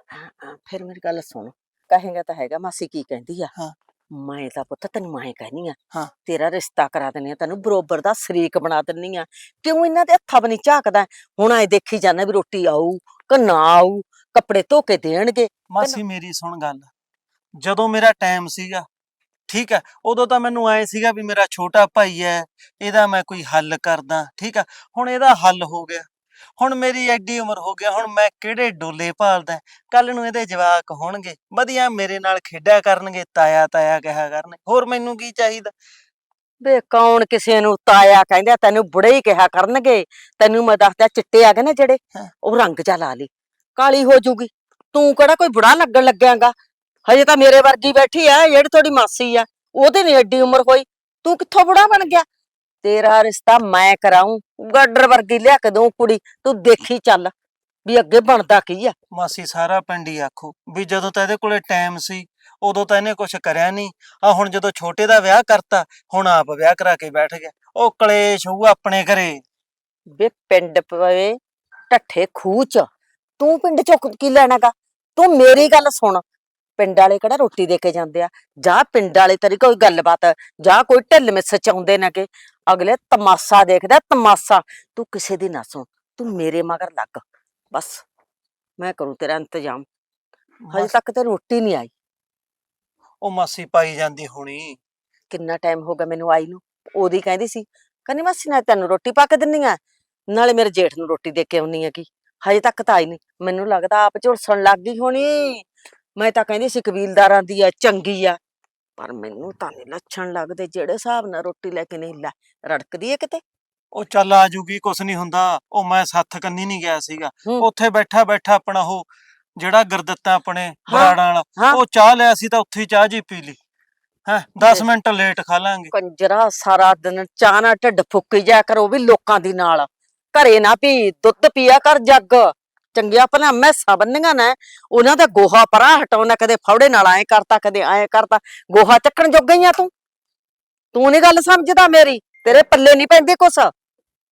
S2: ਫਿਰ ਮੇਰੀ ਗੱਲ ਸੁਣ, ਕਹੇਗਾ ਤਾਂ ਹੈਗਾ ਮਾਸੀ ਕੀ ਕਹਿੰਦੀ ਆ।
S3: ਹਾਂ।
S2: ਮੈਂ ਤਾਂ ਪੁੱਤ ਤੈਨੂੰ ਮੈਂ ਕਹਿਨੀ ਆ,
S3: ਹਾਂ।
S2: ਤੇਰਾ ਰਿਸ਼ਤਾ ਕਰਾ ਦਿੰਨੀ ਆ, ਤੈਨੂੰ ਬਰੋਬਰ ਦਾ ਸ਼ਰੀਕ ਬਣਾ ਦਿੰਨੀ ਆ। ਕਿਉਂ ਇਹਨਾਂ ਦੇ ਹੱਥਾਂ ਬਣੀ ਝਾਕਦਾ? ਹੁਣ ਐ ਦੇਖੀ ਜਾਂਦਾ ਵੀ ਰੋਟੀ ਆਊ ਕਿ ਨਾ ਆਊ, ਕੱਪੜੇ ਧੋ ਕੇ ਦੇਣਗੇ।
S3: ਮਾਸੀ ਮੇਰੀ ਸੁਣ ਗੱਲ, ਜਦੋਂ ਮੇਰਾ ਟਾਈਮ ਸੀਗਾ ਠੀਕ ਹੈ, ਉਦੋਂ ਤਾਂ ਮੈਨੂੰ ਐ ਸੀਗਾ ਵੀ ਮੇਰਾ ਛੋਟਾ ਭਾਈ ਹੈ, ਇਹਦਾ ਮੈਂ ਕੋਈ ਹੱਲ ਕਰਦਾ। ਠੀਕ ਆ, ਹੁਣ ਇਹਦਾ ਹੱਲ ਹੋ ਗਿਆ, ਹੁਣ ਮੇਰੀ ਐਡੀ ਉਮਰ ਹੋ ਗਿਆ, ਹੁਣ ਮੈਂ ਕਿਹੜੇ ਡੋਲੇ ਭਾਲਦਾ? ਕੱਲ ਨੂੰ ਇਹਦੇ ਜਵਾਕ ਹੋਣਗੇ ਵਧੀਆ, ਮੇਰੇ ਨਾਲ ਖੇਡਿਆ ਕਰਨਗੇ, ਤਾਇਆ ਤਾਇਆ ਕਿਹਾ ਕਰਨਗੇ, ਹੋਰ ਮੈਨੂੰ ਕੀ ਚਾਹੀਦਾ?
S2: ਵੇ ਕੌਣ ਕਿਸੇ ਨੂੰ ਤਾਇਆ ਕਹਿੰਦਾ? ਤੈਨੂੰ ਬੁੜੇ ਹੀ ਕਿਹਾ ਕਰਨਗੇ। ਤੈਨੂੰ ਮੈਂ ਦੱਸਦਾ, ਚਿੱਟੇ ਆ ਗਏ ਨਾ ਜਿਹੜੇ,
S3: ਹਾਂ।
S2: ਉਹ ਰੰਗ ਜਾ ਲਾ ਲਈ, ਕਾਲੀ ਹੋ ਜੂਗੀ। ਤੂੰ ਕਿਹੜਾ ਕੋਈ ਬੁੜਾ ਲੱਗਣ ਲੱਗਿਆਗਾ? ਹਜੇ ਤਾਂ ਮੇਰੇ ਵਰਗੀ ਬੈਠੀ ਆ, ਜਿਹੜੀ ਤੁਹਾਡੀ ਮਾਸੀ ਆ, ਉਹਦੇ ਨੀ ਐਡੀ ਉਮਰ ਹੋਈ, ਤੂੰ ਕਿੱਥੋਂ ਬੁੜਾ ਬਣ ਗਿਆ? ਤੇਰਾ ਰਿਸ਼ਤਾ ਮੈਂ ਕਰਾਊਂ, ਗਾਡਰ ਵਰਗੀ ਲਿਆ ਕੇ ਦਊਂ ਕੁੜੀ, ਤੂੰ ਦੇਖੀ ਚੱਲ ਵੀ ਅੱਗੇ ਬਣਦਾ ਕੀ ਆ।
S3: ਮਾਸੀ ਸਾਰਾ ਪਿੰਡ ਹੀ ਆਖੋ ਵੀ ਜਦੋਂ ਤਾਂ ਇਹਦੇ ਕੋਲੇ ਟਾਈਮ ਸੀ ਉਦੋਂ ਤਾਂ ਇਹਨੇ ਕੁਛ ਕਰਿਆ ਨਹੀਂ, ਆ ਹੁਣ ਜਦੋਂ ਛੋਟੇ ਦਾ ਵਿਆਹ ਕਰਤਾ, ਹੁਣ ਆਪ ਵਿਆਹ ਕਰਾ ਕੇ ਬੈਠ ਗਿਆ। ਉਹ ਕਲੇਸ਼ ਹੋਊ ਆਪਣੇ ਘਰੇ।
S2: ਵੇ ਪਿੰਡ ਪਵੇ ਢੱਠੇ ਖੂਹ ਚ, ਤੂੰ ਪਿੰਡ ਚੋਂ ਕੀ ਲੈਣਾਗਾ? ਤੂੰ ਮੇਰੀ ਗੱਲ ਸੁਣ, ਪਿੰਡ ਵਾਲੇ ਕਿਹੜਾ ਰੋਟੀ ਦੇ ਕੇ ਜਾਂਦੇ ਆ? ਜਾਂ ਪਿੰਡ ਵਾਲੇ ਤੇਰੀ ਕੋਈ ਗੱਲਬਾਤ, ਜਾਂ ਕੋਈ ਢਿੱਲ ਮਿੱਸ ਚਾਉਂਦੇ ਨੇ ਕਿ ਅਗਲੇ ਤਮਾਸ਼ਾ ਦੇਖਦਾ, ਤਮਾਸ਼ਾ। ਤੂੰ ਕਿਸੇ ਦੀ ਨਾ ਸੁਣ, ਤੂੰ ਮੇਰੇ ਮਗਰ ਲੱਗ ਬਸ, ਮੈਂ ਕਰੂੰ ਤੇਰਾ ਇੰਤਜ਼ਾਮ। ਹਜੇ ਤੱਕ ਤੇ ਰੋਟੀ ਨਹੀਂ ਆਈ।
S3: ਉਹ ਮਾਸੀ ਪਾਈ ਜਾਂਦੀ ਹੋਣੀ।
S2: ਕਿੰਨਾ ਟਾਈਮ ਹੋ ਗਿਆ ਮੈਨੂੰ ਆਈ ਨੂੰ? ਉਹਦੀ ਕਹਿੰਦੀ ਸੀ, ਕਹਿੰਦੀ ਮਾਸੀ ਨਾਲ ਤੈਨੂੰ ਰੋਟੀ ਪਾ ਕੇ ਦਿੰਨੀ ਆ, ਨਾਲੇ ਮੇਰੇ ਜੇਠ ਨੂੰ ਰੋਟੀ ਦੇ ਕੇ ਆਉਣੀ ਆ। ਕੀ ਹਜੇ ਤੱਕ ਤਾਂ ਆਈ ਨਹੀਂ, ਮੈਨੂੰ ਲੱਗਦਾ ਆਪ ਝੁਲਸਣ ਲੱਗ ਗਈ ਹੋਣੀ। ਮੈਂ ਤਾਂ ਕਹਿੰਦੀ ਸੀ ਕਬੀਲਦਾਰਾਂ ਦੀ ਆ, ਚੰਗੀ ਆ, ਪਰ ਮੈਨੂੰ ਤਾਂ ਨਹੀਂ ਲੱਛਣ ਲੱਗਦੇ ਜਿਹੜੇ ਹਿਸਾਬ ਨਾਲ ਰੋਟੀ ਲੈ ਕੇ ਨਹੀਂ ਲੈ ਰੜਕਦੀ ਏ ਕਿਤੇ।
S3: ਉਹ ਚੱਲ ਆ ਜੂਗੀ, ਕੁਛ ਨਹੀਂ ਹੁੰਦਾ। ਉਹ ਮੈਂ ਸੱਥ ਕੰਨੀ ਨਹੀਂ ਗਿਆ ਸੀਗਾ,
S2: ਹੂੰ।
S3: ਉੱਥੇ ਬੈਠਾ ਬੈਠਾ ਆਪਣਾ ਉਹ ਜਿਹੜਾ ਗੁਰਦਿੱਤਾ ਆਪਣੇ
S2: ਹਾਂ,
S3: ਬਰਾੜਾਂ ਵਾਲਾ,
S2: ਹਾਂ।
S3: ਉਹ ਚਾਹ ਲਿਆ ਸੀ ਤਾਂ ਉੱਥੇ ਹੀ ਚਾਹ ਜੀ ਪੀ ਲਈ ਹੈ। 10 ਮਿੰਟ ਲੇਟ ਖਾ ਲਾਂਗੇ।
S2: ਕੰਜਰਾ ਸਾਰਾ ਦਿਨ ਚਾਹ ਨਾਲ ਢਿੱਡ ਫੁੱਕੀ ਜਾ ਕਰ, ਉਹ ਵੀ ਲੋਕਾਂ ਦੀ ਨਾਲ। ਘਰੇ ਨਾ ਪੀ, ਦੁੱਧ ਪੀਆ ਕਰ ਜੱਗ। ਚੰਗੀਆਂ ਭਲਾ ਮੈਸਾਂ ਬੰਨੀਆਂ ਨੇ, ਉਹਨਾਂ ਦਾ ਗੋਹਾ ਪਰਾਂ ਹਟਾਉਣਾ, ਕਦੇ ਫੌੜੇ ਨਾਲ ਐਂ ਕਰਤਾ, ਕਦੇ ਐਂ ਕਰਤਾ। ਗੋਹਾ ਚੱਕਣ ਜੋਗ ਗਈਆਂ ਤੂੰ ਨੀ ਗੱਲ ਸਮਝਦਾ ਮੇਰੀ, ਤੇਰੇ ਪੱਲੇ ਨਹੀਂ ਪੈਂਦੀ ਕੁਛ।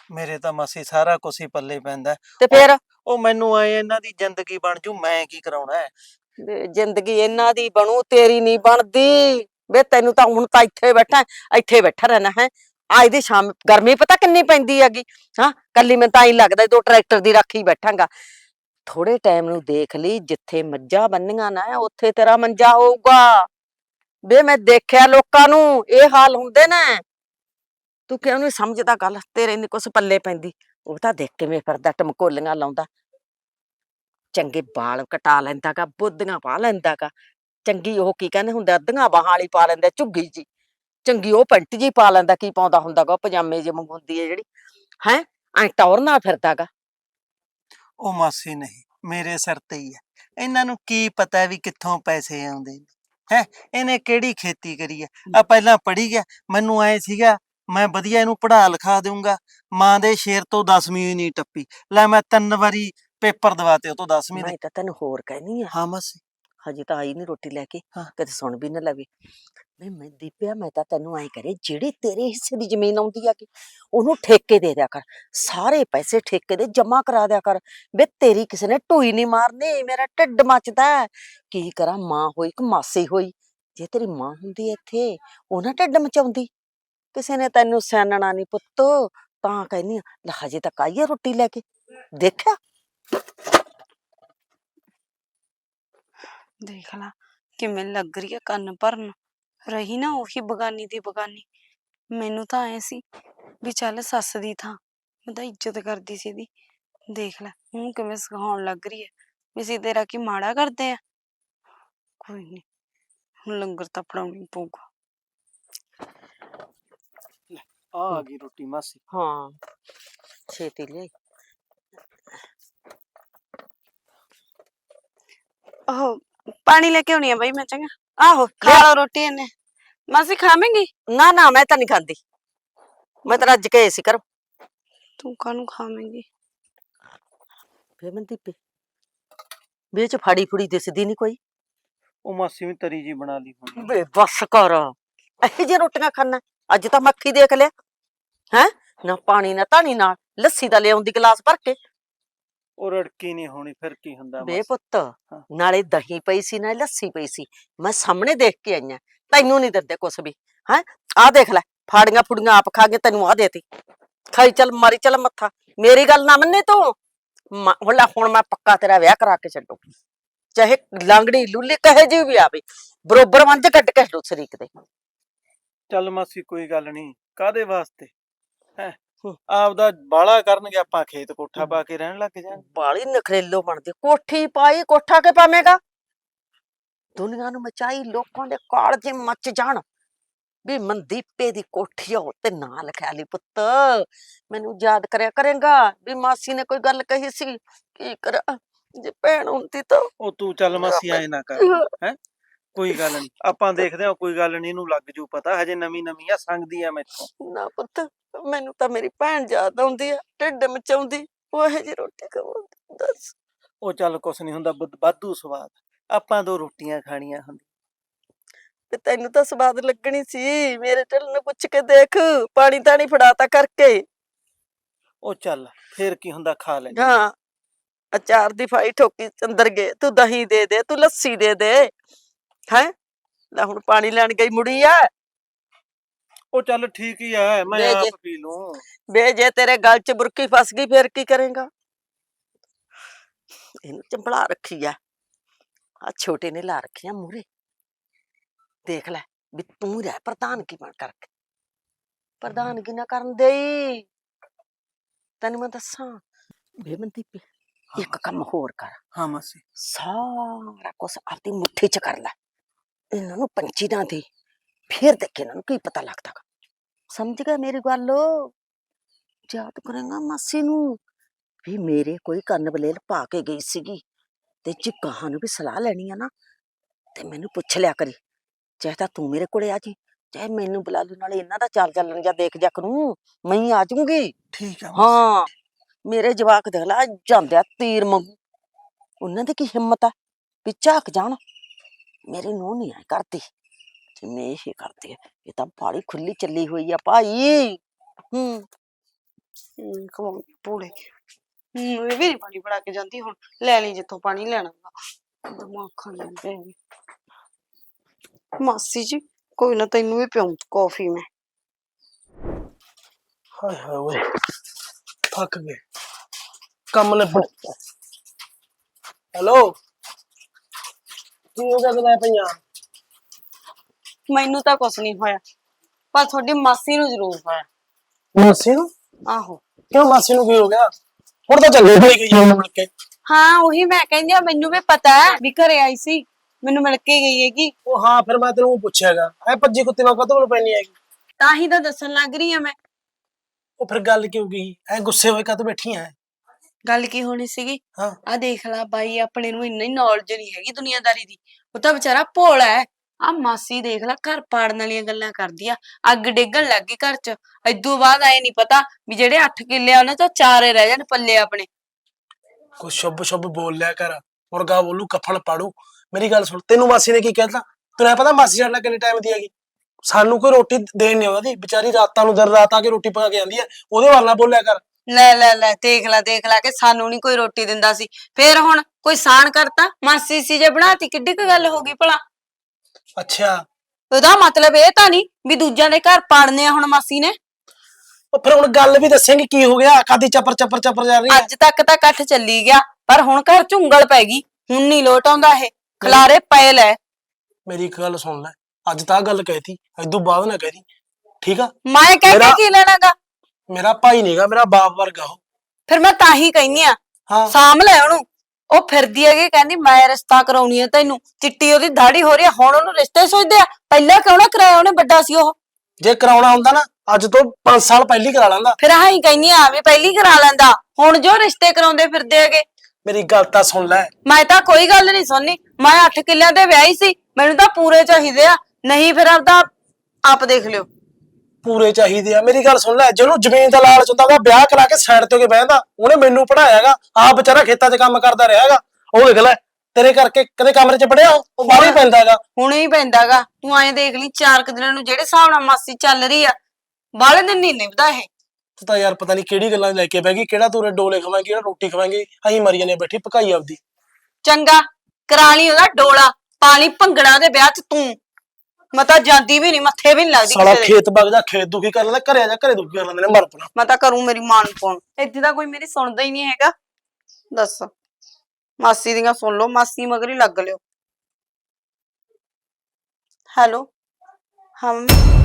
S3: ਮੇਰੇ ਤਾਂ ਮਾਸੀ ਸਾਰਾ ਕੁਛ ਹੀ ਪੱਲੇ ਪੈਂਦਾ ਹੈ।
S2: ਤੇ ਫਿਰ
S3: ਉਹ ਮੈਨੂੰ ਆਏ ਇਹਨਾਂ ਦੀ ਜ਼ਿੰਦਗੀ ਬਣ ਜੂ, ਮੈਂ ਕੀ ਕਰਾਉਣਾ ਹੈ।
S2: ਵੇ ਜ਼ਿੰਦਗੀ ਇਹਨਾਂ ਦੀ ਬਣੂ, ਤੇਰੀ ਨਹੀਂ ਬਣਦੀ। ਵੇ ਤੈਨੂੰ ਤਾਂ ਹੁਣ ਤਾਂ ਇੱਥੇ ਬੈਠਾ ਰਹਿਣਾ ਹੈ। ਅੱਜ ਦੀ ਸ਼ਾਮ ਗਰਮੀ ਪਤਾ ਕਿੰਨੀ ਪੈਂਦੀ ਹੈਗੀ। ਹਾਂ, ਕੱਲੀ ਮੈਨੂੰ ਤਾਂ ਹੀ ਲੱਗਦਾ 2 ਟਰੈਕਟਰ ਦੀ ਰਾਖੀ ਬੈਠਾਂਗਾ। ਥੋੜੇ ਟਾਈਮ ਨੂੰ ਦੇਖ ਲਈ, ਜਿੱਥੇ ਮੱਝਾਂ ਬੰਨੀਆਂ ਨਾ ਉੱਥੇ ਤੇਰਾ ਮੰਜਾ ਹੋਊਗਾ। ਵੇ ਮੈਂ ਦੇਖਿਆ ਲੋਕਾਂ ਨੂੰ ਇਹ ਹਾਲ ਹੁੰਦੇ ਨੇ। ਤੂੰ ਕਿਉਂ ਨਹੀਂ ਸਮਝਦਾ ਗੱਲ? ਤੇਰੇ ਨੀ ਕੁਛ ਪੱਲੇ ਪੈਂਦੀ। ਉਹ ਤਾਂ ਦੇਖ ਕਿਵੇਂ ਫਿਰਦਾ, ਟਮਕੋਲੀਆਂ ਲਾਉਂਦਾ। ਚੰਗੇ ਵਾਲ ਕਟਾ ਲੈਂਦਾ ਗਾ, ਬੁੱਧੀਆਂ ਪਾ ਲੈਂਦਾ ਗਾ। ਚੰਗੀ ਉਹ ਕੀ ਕਹਿੰਦੇ ਹੁੰਦੇ, ਅੱਧੀਆਂ ਬਾਹਾਂ ਵਾਲੀ ਪਾ ਲੈਂਦਾ, ਝੁੱਗੀ ਜੀ। ਚੰਗੀ ਉਹ ਪੈਂਟ ਜੀ ਪਾ ਲੈਂਦਾ, ਕੀ ਪਾਉਂਦਾ ਹੁੰਦਾ ਗਾ, ਪਜਾਮੇ ਜਿਹੇ ਵਾਂਗੂ ਹੁੰਦੀ ਹੈ ਜਿਹੜੀ। ਹੈਂ, ਐ ਟੌਰ ਨਾਲ ਫਿਰਦਾ ਗਾ।
S3: ਉਹ ਮਾਸੀ ਨਹੀਂ, ਮੇਰੇ ਸਿਰ ਤੇ ਹੀ ਹੈ। ਇਹਨਾਂ ਨੂੰ ਕੀ ਪਤਾ ਵੀ ਕਿੱਥੋਂ ਪੈਸੇ ਆਉਂਦੇ ਨੇ। ਹੈ, ਇਹਨੇ ਕਿਹੜੀ ਖੇਤੀ ਕਰੀ ਹੈ। ਆ ਪਹਿਲਾਂ ਪੜ੍ਹੀ ਗਿਆ, ਮੈਨੂੰ ਐ ਸੀਗਾ ਮੈਂ ਵਧੀਆ ਇਹਨੂੰ ਪੜ੍ਹਾ ਲਿਖਾ ਦਊਂਗਾ। ਮਾਂ ਦੇ ਸ਼ੇਰ ਤੋਂ 10ਵੀਂ ਨਹੀਂ ਟੱਪੀ। ਲੈ ਮੈਂ 3 ਵਾਰੀ ਪੇਪਰ ਦਵਾਤੇ ਉਹ ਤੋਂ 10ਵੀਂ ਦੇ।
S2: ਮੈਂ ਤਾਂ ਤੈਨੂੰ ਹੋਰ ਕਹਿਨੀ ਆ,
S3: ਹਾਂ ਮਾਸੀ।
S2: ਹਜੇ ਤਾਂ ਆਈ ਨੀ ਰੋਟੀ ਲੈ ਕੇ,
S3: ਹਾਂ।
S2: ਕਿਤੇ ਸੁਣ ਵੀ ਨਾ ਲਵੇ। ਮੈਂ ਦੀਪਿਆ, ਮੈਂ ਤਾਂ ਤੈਨੂੰ ਐ ਕਰੇ, ਜਿਹੜੀ ਤੇਰੇ ਹਿੱਸੇ ਦੀ ਜ਼ਮੀਨ ਆਉਂਦੀ ਆ ਕਿ ਉਹਨੂੰ ਠੇਕੇ ਦੇ ਦਿਆ ਕਰ। ਸਾਰੇ ਪੈਸੇ ਠੇਕੇ ਦੇ ਜਮਾ ਕਰਾ ਦਿਆ ਕਰ। ਵੇ ਤੇਰੀ ਕਿਸੇ ਨੇ ਢੂਈ ਨਹੀਂ ਮਾਰਨੀ, ਮੇਰਾ ਢਿੱਡ ਮੱਚਦਾ ਹੈ। ਕੀ ਕਰਾਂ, ਮਾਂ ਹੋਈ ਕਿ ਮਾਸੀ ਹੋਈ। ਜੇ ਤੇਰੀ ਮਾਂ ਹੁੰਦੀ ਇੱਥੇ, ਉਹ ਨਾ ਢਿੱਡ ਮਚਾਉਂਦੀ। ਕਿਸੇ ਨੇ ਤੈਨੂੰ ਸਿਆਣਨਾ ਨਹੀਂ ਪੁੱਤ, ਤਾਂ ਕਹਿੰਦੀ ਆ। ਲੈ ਹਜੇ ਤੱਕ ਆਈ ਆ ਰੋਟੀ ਲੈ ਕੇ, ਦੇਖਿਆ?
S4: ਦੇਖ ਲਾ ਕਿਵੇਂ ਲੱਗ ਰਹੀ ਆ ਕੰਨ ਭਰਨ। ਰਹੀ ਨਾ ਉਹੀ ਬਗਾਨੀ ਦੀ ਬਗਾਨੀ। ਮੈਨੂੰ ਤਾਂ ਐ ਸੀ ਵੀ ਚੱਲ ਸੱਸ ਦੀ ਥਾਂ ਮੈਂ ਤਾਂ ਇੱਜ਼ਤ ਕਰਦੀ ਸੀ ਇਹਦੀ। ਦੇਖ ਲੈ ਹੁਣ ਕਿਵੇਂ ਸਿਖਾਉਣ ਲੱਗ ਰਹੀ ਹੈ ਵੀ ਅਸੀਂ ਤੇਰਾ ਕੀ ਮਾੜਾ ਕਰਦੇ ਆ। ਕੋਈ ਨੀ, ਹੁਣ ਲੰਗਰ ਤਾਂ ਫੜਾਉਣਾ ਹੀ ਪਊਗਾ।
S3: ਆ ਗਈ ਰੋਟੀ ਮਾਸੀ।
S2: ਹਾਂ, ਛੇਤੀ ਲਿਆਈ।
S4: ਉਹ ਪਾਣੀ ਲੈ ਕੇ ਆਉਣੀ ਆ ਬਈ ਮੈਂ, ਚੰਗਾ
S2: ਆਹੋ
S4: ਖਾ
S2: ਲਿਆ।
S4: ਲਓ ਰੋਟੀ ਇਹਨੇ। ਮਾਸੀ ਖਾਵੇਂਗੀ?
S2: ਨਾ ਨਾ, ਮੈਂ ਤਾਂ ਨਹੀਂ ਖਾਂਦੀ। ਮੈਂ ਤਾਂ ਰੱਜ ਕੇ ਆਈ ਸੀ ਘਰੋਂ।
S4: ਤੂੰ ਕਾਹਨੂੰ ਖਾਵੇਂਗੀ?
S2: ਫੇਰ ਮੈਂ ਦੀਪੇ ਵੀ ਚ ਫਾੜੀ ਫੁੜੀ ਦਿਸਦੀ ਨਹੀਂ ਕੋਈ।
S3: ਉਹ ਮਾਸੀ ਵੀ ਤਰੀ ਜੀ ਬਣਾ ਲਈ ਹੋਣੀ।
S2: ਵੇ ਬੱਸ ਕਰ, ਇਹੋ ਜਿਹੀ ਰੋਟੀਆਂ ਖਾਣਾ। ਅੱਜ ਤਾਂ ਮੱਖੀ ਦੇਖ ਲਿਆ ਹੈ। ਨਾ ਪਾਣੀ ਨਾ ਧਾਣੀ, ਨਾਲ ਲੱਸੀ ਦਾ ਲਿਆਉਂਦੀ ਗਲਾਸ ਭਰ ਕੇ।
S3: ਉਹ ਰੜਕੀ ਨਹੀਂ ਹੋਣੀ, ਫਿਰ ਕੀ ਹੁੰਦਾ
S2: ਵੇ
S3: ਮਾਸੀ।
S2: ਪੁੱਤ, ਨਾਲੇ ਦਹੀਂ ਪਈ ਸੀ ਨਾਲੇ ਲੱਸੀ ਪਈ ਸੀ। ਮੈਂ ਸਾਹਮਣੇ ਦੇਖ ਕੇ ਆਈਆਂ। ਤੈਨੂੰ ਨਹੀਂ ਦਿੰਦੇ ਕੁਛ ਵੀ। ਹੈ, ਆਹ ਦੇਖ ਲੈ, ਫਾੜੀਆਂ ਫੁੜੀਆਂ ਆਪ ਖਾ ਕੇ ਤੈਨੂੰ ਆਹ ਦੇਤੀ। ਖਾਈ ਚੱਲ, ਮਾਰੀ ਚੱਲ ਮੱਥਾ। ਮੇਰੀ ਗੱਲ ਨਾ ਮੰਨੇ ਤੂੰ। ਹੁਣ ਮੈਂ ਪੱਕਾ ਤੇਰਾ ਵਿਆਹ ਕਰਾ ਕੇ ਛੱਡੂ। ਚਾਹੇ ਲਾਂਗੜੀ ਲੂਲੀ ਕਹੇ ਜੀ ਵੀ ਆਵੇ, ਬਰੋਬਰ ਵੰਜ ਕੱਢ ਕੇ ਛੱਡੂ ਸਰੀਕ ਦੇ।
S3: ਚੱਲ ਮਾਸੀ ਕੋਈ ਗੱਲ ਨਹੀਂ, ਕਾਦੇ ਵਾਸਤੇ ਹੈ। ਆਪਦਾ ਬਾਲਾ ਕਰਨਗੇ, ਆਪਾਂ ਖੇਤ ਕੋਠਾ ਪਾ ਕੇ ਰਹਿਣ ਲੱਗ ਜਾਾਂਗੇ।
S2: ਬਾਲੀ ਨਖਰੇਲੋ ਬਣਦੀ। ਕੋਠੀ ਪਾਈ, ਕੋਠਾ ਕੇ ਪਾਵੇਂਗਾ? ਦੁਨੀਆ ਨੂੰ ਮਚਾਈ, ਲੋਕਾਂ ਦੇ ਕਾਲਜੇ ਮੱਚ ਜਾਣ ਵੀ ਮਨਦੀਪੇ ਦੀ ਕੋਠੀ ਆ ਤੇ ਨਾਂ ਲਿਖਿਆ ਲਈ। ਪੁੱਤ ਮੈਨੂੰ ਯਾਦ ਕਰਿਆ ਕਰੇਗਾ ਵੀ ਮਾਸੀ ਨੇ ਕੋਈ ਗੱਲ ਕਹੀ ਸੀ। ਕੀ ਕਰਾਂ, ਜੇ ਭੈਣ ਹੁੰਦੀ ਤਾਂ।
S3: ਉਹ ਤੂੰ ਚੱਲ ਮਾਸੀ ਐ ਨਾ ਕਰ। ਹੈ, ਕੋਈ ਗੱਲ ਨਹੀਂ, ਆਪਾਂ ਦੇਖਦੇ ਹਾਂ। ਕੋਈ ਗੱਲ ਨਹੀਂ, ਇਹਨੂੰ ਲੱਗ ਜੂ ਪਤਾ। ਹਜੇ ਨਵੀਂ ਨਵੀਂ ਆ, ਸੰਗਦੀ ਆ ਮੈਥੋਂ।
S2: ਨਾ ਪੁੱਤ, ਮੈਨੂੰ ਤਾਂ ਮੇਰੀ ਭੈਣ ਯਾਦ ਆਉਂਦੀ ਆ, ਢਿੱਡ ਮਚਾਉਂਦੀ। ਉਹ ਇਹੋ ਜਿਹੀ ਰੋਟੀ ਖਾਵਾਂਗੀ, ਦੱਸ।
S3: ਉਹ ਚੱਲ ਕੁਛ ਨਹੀਂ ਹੁੰਦਾ, ਵਾਧੂ ਸਵਾਦ। ਆਪਾਂ 2 ਰੋਟੀਆਂ ਖਾਣੀਆਂ ਹੁੰਦੀਆਂ।
S2: ਤੇ ਤੈਨੂੰ ਤਾਂ ਸਵਾਦ ਲੱਗਣੀ ਸੀ। ਮੇਰੇ ਢਿੱਡ ਨੂੰ ਪੁੱਛ ਕੇ ਦੇਖ, ਪਾਣੀ ਤਾਣੀ ਫੜਾਤਾ ਕਰਕੇ।
S3: ਉਹ ਚੱਲ ਫੇਰ ਕੀ ਹੁੰਦਾ, ਖਾ ਲੈ।
S2: ਹਾਂ, ਅਚਾਰ ਦੀ ਫਾਈ ਠੋਕੀ ਅੰਦਰ ਗਏ। ਤੂੰ ਦਹੀਂ ਦੇ ਦੇ, ਤੂੰ ਲੱਸੀ ਦੇ ਦੇ। ਹੈ, ਲੈ ਹੁਣ ਪਾਣੀ ਲੈਣ ਗਈ ਮੁੜੀ ਆ।
S3: ਉਹ ਚੱਲ ਠੀਕ ਹੀ ਐ, ਮੈਂ
S2: ਵੇ ਜੇ
S3: ਆਪ ਪੀ ਲੂੰ।
S2: ਵੇ ਜੇ ਤੇਰੇ ਗਲ ਚ ਬੁਰਕੀ ਫਸ ਗਈ ਫੇਰ ਕੀ ਕਰੇਗਾ? ਇਹਨੂੰ ਚੰਬਲਾ ਰੱਖੀ ਆ ਛੋਟੇ ਨੇ, ਲਾ ਰੱਖੀਆਂ ਮੂਹਰੇ। ਦੇਖ ਲੈ ਵੀ ਤੂੰ ਰਹਿ ਪ੍ਰਧਾਨਗੀ ਬਣ ਕਰਕੇ। ਪ੍ਰਧਾਨਗੀ ਨਾ ਕਰਨ ਦੇਈ। ਤੈਨੂੰ ਮੈਂ ਦੱਸਾਂ ਬੇਮਨਦੀਪ, ਇੱਕ ਕੰਮ ਹੋਰ ਕਰ।
S3: ਹਾਂ ਮਾਸੀ।
S2: ਸਾਰਾ ਕੁਛ ਆਪਦੀ ਮੁੱਠੀ ਚ ਕਰ ਲੈ। ਇਹਨਾਂ ਨੂੰ ਪੰਚੀ ਨਾ ਦੇ, ਫੇਰ ਦੇਖ ਇਹਨਾਂ ਨੂੰ ਕੀ ਪਤਾ ਲੱਗਦਾ। ਸਮਝ ਗਿਆ ਮੇਰੀ ਗੱਲ? ਯਾਦ ਕਰੇਗਾ ਮਾਸੀ ਨੂੰ ਵੀ ਮੇਰੇ ਕੋਈ ਕੰਨ ਬਲੇਲ ਪਾ ਕੇ ਗਈ ਸੀਗੀ। ਤੇ ਜੇ ਗਾਹਾਂ ਨੂੰ ਵੀ ਸਲਾਹ ਲੈਣੀ ਆ ਨਾ, ਤੇ ਮੈਨੂੰ ਪੁੱਛ ਲਿਆ ਕਰੀ। ਚਾਹੇ ਤਾਂ ਤੂੰ ਮੇਰੇ ਕੋਲੇ ਆ ਜੀ, ਚਾਹੇ ਮੈਨੂੰ ਬੁਲਾ ਲੂ। ਨਾਲੇ ਇਹਨਾਂ ਦਾ ਚਾਲ ਚੱਲਣ ਜਾਂ ਦੇਖ ਜਾ ਕਰੂੰ, ਮੈਂ ਹੀ ਆ ਜਾਊਂਗੀ।
S3: ਠੀਕ ਆ ਮਾਸੀ।
S2: ਹਾਂ, ਮੇਰੇ ਜਵਾਕ ਦੇਖ ਲਾ ਜਾਂਦੇ ਆ ਤੀਰ ਮੰਗੂ। ਉਹਨਾਂ ਦੀ ਕੀ ਹਿੰਮਤ ਆ ਵੀ ਝਾਕ ਜਾਣ। ਮੇਰੀ ਨੂੰਹ ਨੀ ਐ ਕਰਦੀ, ਜਿਵੇਂ ਇਹ ਕਰਦੀ ਹੈ। ਇਹ ਤਾਂ ਬਾਹਲੀ ਖੁੱਲੀ ਚੱਲੀ ਹੋਈ ਆ ਭਾਈ।
S4: ਖਵਾਉਂਗੀ ਪੂੜੇ। ਇਹ ਵੀ ਨੀ ਪਾਣੀ ਫੜਾ ਕੇ ਜਾਂਦੀ, ਹੁਣ ਲੈ ਲਈ ਜਿੱਥੋਂ ਪਾਣੀ ਲੈਣਾ ਵਾ। ਦਿਮਾਗ ਖਾ ਲੈਂਦੇ ਨੇ। ਮਾਸੀ ਜੀ ਕੋਈ ਨਾ, ਤੈਨੂੰ ਵੀ ਪਿਆਉਂ ਕੌਫੀ ਮੈਂ।
S1: ਹਾਏ ਹਾਏ ਓਏ, ਥੱਕ ਗਏ ਕੰਮ ਨੇ। ਹੈਲੋ, ਕੀ ਹੋ ਗਿਆ ਗੱਲਾਂ ਪਈਆਂ?
S4: ਮੈਨੂੰ ਤਾਂ ਕੁਛ ਨਹੀਂ ਹੋਇਆ, ਪਰ ਤੁਹਾਡੀ ਮਾਸੀ ਨੂੰ ਜ਼ਰੂਰ ਹੋਇਆ।
S1: ਮਾਸੀ ਨੂੰ?
S4: ਆਹੋ
S1: ਕਿਉਂ ਮਾਸੀ ਨੂੰ ਕੀ ਹੋ ਗਿਆ? ਹੁਣ ਤਾਂ ਚੰਗੇ ਹੋਈ ਗਈ ਉਹਨੂੰ ਮਿਲ ਕੇ।
S4: ਹਾਂ ਉਹੀ ਮੈਂ ਕਹਿੰਦੀ ਆ, ਮੈਨੂੰ ਵੀ ਪਤਾ ਹੈ ਵੀ ਘਰੇ ਆਈ ਸੀ, ਮੈਨੂੰ ਮਿਲ ਕੇ ਗਈ ਹੈਗੀ।
S1: ਉਹ ਹਾਂ, ਫਿਰ ਮੈਂ ਤੈਨੂੰ ਪੁੱਛਿਆਗਾ ਐ ਭੱਜੀ ਕੁੱਤੀ ਨਾਲ ਕਦੋਂ ਪੈਣੀ ਹੈਗੀ?
S4: ਤਾਂ ਹੀ ਤਾਂ ਦੱਸਣ ਲੱਗ ਰਹੀ ਆ ਮੈਂ।
S1: ਉਹ ਫਿਰ ਗੱਲ ਕਿਉਂ ਗਈ ਐ? ਗੁੱਸੇ ਹੋਏ ਕਦੋਂ ਬੈਠੀ ਐ?
S4: ਗੱਲ ਕੀ ਹੋਣੀ ਸੀਗੀ?
S1: ਹਾਂ,
S4: ਆ ਦੇਖ ਲੈ ਬਾਈ, ਆਪਣੇ ਨੂੰ ਇੰਨੀ ਨੌਲੇਜ ਨਹੀਂ ਹੈਗੀ ਦੁਨੀਆਦਾਰੀ ਦੀ। ਉਹ ਤਾਂ ਵਿਚਾਰਾ ਭੋਲਾ ਹੈ। ਆ ਮਾਸੀ ਦੇਖ ਲੈ, ਘਰ ਪਾੜਨ ਵਾਲੀਆਂ ਗੱਲਾਂ ਕਰਦੀ ਆ, ਅੱਗ ਡੇਗਣ ਲੱਗ ਗਈ ਘਰ ਚ। ਏਦੂ ਬਾਅਦ ਆਏ ਨਹੀਂ ਪਤਾ ਵੀ ਜਿਹੜੇ 8 ਕਿੱਲੇ ਆ ਉਹਨਾਂ ਚੋਂ 4 ਰਹਿ ਜਾਣ ਪੱਲੇ ਆਪਣੇ।
S1: ਕੁਛ ਸ਼ੁਭ ਸ਼ੁਭ ਬੋਲ ਲਿਆ ਕਰ, ਮੁਰਗਾ ਬੋਲੂ ਕਫਨ ਪਾੜੂ। ਮੇਰੀ ਗੱਲ ਸੁਣ, ਤੈਨੂੰ ਮਾਸੀ ਨੇ ਕੀ ਕਹਿਤਾ? ਤੈਨੂੰ ਐ ਪਤਾ ਮਾਸੀ ਸਾਡੇ ਨਾਲ ਕਿੰਨੇ ਟਾਈਮ ਦੀ ਹੈਗੀ? ਸਾਨੂੰ ਕੋਈ ਰੋਟੀ ਦੇਣ ਨਹੀਂ ਆਉਂਦੀ, ਵਿਚਾਰੀ ਰਾਤਾਂ ਨੂੰ ਦਰ ਰਾਤ ਆ ਕੇ ਰੋਟੀ ਪਕਾ ਕੇ ਆਂਦੀ ਹੈ। ਉਹਦੇ ਵੱਲ ਨਾ ਬੋਲਿਆ ਕਰ।
S4: ਲੈ ਦੇਖ ਲੈ ਕਿ ਸਾਨੂੰ ਨੀ ਕੋਈ ਰੋਟੀ ਦਿੰਦਾ ਸੀ, ਫੇਰ ਹੁਣ ਕੋਈ ਸਾਨ ਕਰਤਾ? ਮਾਸੀ ਸੀ ਜੇ ਬਣਾਤੀ, ਕਿੱਡੀ ਕੁ ਗੱਲ ਹੋ ਗਈ ਭਲਾ?
S1: ਅੱਛਾ,
S4: ਉਹਦਾ ਮਤਲਬ ਇਹ ਤਾਂ ਨਹੀਂ ਵੀ ਦੂਜਿਆਂ ਦੇ ਘਰ ਪਾੜਨੇ ਆ ਹੁਣ ਮਾਸੀ ਨੇ।
S1: ਉਹ ਫਿਰ ਹੁਣ ਗੱਲ ਵੀ ਦੱਸੇਂਗੀ ਕੀ ਹੋ ਗਿਆ? ਕਾਦੀ ਚੱਪਰ ਚੱਪਰ ਚੱਪਰ ਜਾ ਰਹੀ ਹੈ?
S4: ਅੱਜ ਤੱਕ ਤਾਂ ਇਕੱਠ ਚੱਲੀ ਗਿਆ, ਪਰ ਹੁਣ ਘਰ ਚ ਉਂਗਲ ਪੈ ਗਈ। ਹੁਣ ਨਹੀਂ ਲੋਟ ਆਉਂਦਾ, ਇਹ ਖਲਾਰੇ ਪਏ ਲੈ।
S1: ਮੇਰੀ ਇੱਕ ਗੱਲ ਸੁਣ ਲੈ, ਅੱਜ ਤਾਂ ਆਹ ਗੱਲ ਕਹਿਤੀ, ਇਦੋਂ ਬਾਅਦ ਨਾ ਕਹਿਦੀ, ਠੀਕ ਆ?
S4: ਮੈਂ ਕਹਿ ਕੇ ਕੀ ਲੈਣਾਗਾ?
S1: ਮੇਰਾ ਭਾਈ ਨਹੀਂਗਾ, ਮੇਰਾ ਬਾਪ ਵਰਗਾ ਉਹ।
S4: ਫਿਰ ਮੈਂ ਤਾਂ ਹੀ ਕਹਿੰਦੀ ਆ,
S1: ਹਾਂ,
S4: ਸਾਂਭ ਲੈ ਉਹਨੂੰ। ਉਹ ਫਿਰਦੀ ਹੈਗੀ ਕਹਿੰਦੀ ਮੈਂ ਰਿਸ਼ਤਾ ਕਰਾਉਣੀ ਹੈ ਤੈਨੂੰ, ਚਿੱਟੀ ਉਹਦੀ ਦਾੜੀ ਹੋ ਰਹੀ ਆ, ਹੁਣ ਉਹਨੂੰ ਰਿਸ਼ਤੇ ਸੋਚਦੇ ਆ। ਪਹਿਲਾਂ ਕਿਉਂ ਨਾ ਕਰਾਇਆ ਉਹਨੇ, ਵੱਡਾ ਸੀ ਉਹ।
S1: ਜੇ ਕਰਾਉਣਾ ਹੁੰਦਾ ਨਾ ਅੱਜ ਤੋਂ 5 ਸਾਲ ਪਹਿਲੀ ਕਰਾ ਲੈਂਦਾ।
S4: ਫਿਰ ਆਹ ਹੀ ਕਹਿੰਦੀ ਆ ਵੀ ਪਹਿਲੀ ਕਰਾ ਲੈਂਦਾ, ਹੁਣ ਜੋ ਰਿਸ਼ਤੇ ਕਰਾਉਂਦੇ ਫਿਰਦੇ ਹੈਗੇ।
S1: ਮੇਰੀ ਗੱਲ ਤਾਂ ਸੁਣ ਲੈ।
S4: ਮੈਂ ਤਾਂ ਕੋਈ ਗੱਲ ਨਹੀਂ ਸੁਣਨੀ, ਮੈਂ 8 ਕਿੱਲਿਆਂ ਤੇ ਵਿਆਹੀ ਸੀ, ਮੈਨੂੰ ਤਾਂ ਪੂਰੇ ਚਾਹੀਦੇ ਆ, ਨਹੀਂ ਫਿਰ ਆਪਦਾ ਆਪ ਦੇਖ ਲਿਓ।
S1: ਪੂਰੇ ਚਾਹੀਦੇ ਆ? ਮੇਰੀ ਗੱਲ ਸੁਣ ਲੈ, ਜਿਹਨੂੰ ਜ਼ਮੀਨ ਦਾ ਲਾਲਚ ਹੁੰਦਾ ਉਹਦਾ ਵਿਆਹ ਕਰਾ ਕੇ ਸਾਈਡ ਤੇ ਹੋ ਕੇ ਬਹਿੰਦਾ। ਉਹਨੇ ਮੈਨੂੰ ਪੜਾਇਆਗਾ, ਆਪ ਵਿਚਾਰਾ ਖੇਤਾਂ 'ਚ ਕੰਮ ਕਰਦਾ ਰਿਹਾਗਾ। ਉਹ ਦੇਖ ਲੈ, ਤੇਰੇ ਕਰਕੇ ਕਦੇ ਕਮਰੇ 'ਚ ਪੜਿਆ? ਉਹ ਬਾਹਰ ਹੀ ਪੈਂਦਾਗਾ।
S4: ਹੁਣੇ ਹੀ ਪੈਂਦਾਗਾ। ਤੂੰ ਐਂ ਦੇਖ ਲਈ, 4 ਦਿਨਾਂ ਨੂੰ ਜਿਹੜੇ ਹਿਸਾਬ ਨਾਲ ਮਾਸੀ ਚੱਲ ਰਹੀ ਆ, ਬਾਹਲੇ ਦਿਨ ਨਹੀਂ ਨਿਭਦਾ ਇਹ।
S1: ਤੂੰ ਤਾਂ ਯਾਰ ਪਤਾ ਨਹੀਂ ਕਿਹੜੀ ਗੱਲਾਂ ਲੈ ਕੇ ਬਹਿ ਗਈ, ਕਿਹੜਾ ਤੂੰ ਡੋਲੇ ਖਵਾਏਂਗੀ, ਕਿਹੜਾ ਰੋਟੀ ਖਵਾਏਂਗੀ। ਅਸੀਂ ਮਰੀਆਂ ਨੇ ਬੈਠੀ ਪਕਾਈ ਆਪਦੀ।
S4: ਚੰਗਾ ਕਰਾ ਲਈ ਉਹਦਾ ਡੋਲਾ, ਪਾ ਲਈ ਭੰਗੜਾ ਦੇ ਵਿਆਹ 'ਚ ਤੂੰ। ਮੈਂ ਤਾਂ ਜਾਂਦੀ ਵੀ ਨਹੀਂ, ਮੱਥੇ ਵੀ ਨਹੀਂ ਲੱਗਦੀ
S1: ਸਾਲਾ
S4: ਕਿਸੇ ਦੇ।
S1: ਖੇਤ ਵਗ ਜਾ, ਖੇਤ ਦੁਖੀ ਕਰ ਲੈਂਦਾ, ਘਰੇ ਆ ਜਾ ਘਰੇ ਦੁਖੀ ਕਰ ਲੈਂਦੇ ਨੇ ਮਰ ਪਣਾ।
S4: ਮੈਂ ਤਾਂ ਕਰੂੰ ਮੇਰੀ ਮਾਂ ਨੂੰ ਫੋਨ, ਇੱਥੇ ਤਾਂ ਕੋਈ ਮੇਰੀ ਸੁਣਦਾ ਹੀ ਨਹੀਂ ਹੈਗਾ। ਦੱਸ, ਮਾਸੀ ਦੀਆਂ ਸੁਣ ਲਓ, ਮਾਸੀ ਮਗਰ ਹੀ ਲੱਗ ਲਿਓ। ਹੈਲੋ, ਹਾਂ ਮੰਮੀ।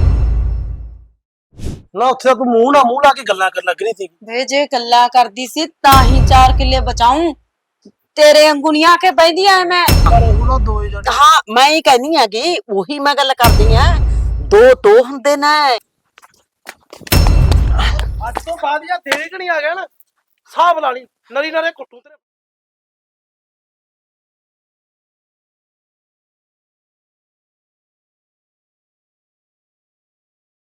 S1: ਨਾ ਉੱਥੇ ਤਾਂ ਤੂੰ ਮੂੰਹ ਲਾ ਕੇ ਗੱਲਾਂ ਕਰਨ ਲੱਗ ਰਹੀ ਸੀ।
S4: ਵੇ ਜੇ ਗੱਲਾਂ ਕਰਦੀ ਸੀ ਤਾਂ ਹੀ 4 ਕਿੱਲੇ ਬਚਾਉਂ, ਤੇਰੇ ਅੰਗੂਨੀਆਂ ਆ ਕੇ ਬੈਂਦੀਆਂ ਐ ਮੈਂ।
S1: ਪਰ ਉਹ ਨਾ ਦੋਏ ਜਣੇ।
S2: ਹਾਂ ਮੈਂ ਹੀ ਕਹਿੰਦੀ ਹੈਗੀ, ਉਹੀ ਮੈਂ ਗੱਲ ਕਰਦੀ ਆ। ਦੋ ਹੁੰਦੇ ਨੇ।
S1: ਅੱਜ ਤੋਂ ਬਾਅਦ ਜਾਂ ਤੇਰੇ ਕਿ ਨਹੀਂ ਆ ਗਿਆ ਨਾ, ਹਿਸਾਬ ਲਾ ਲਈ, ਨਰੀ ਨਾਲੇ ਕੁੱਟੂ ਤੇਰੇ।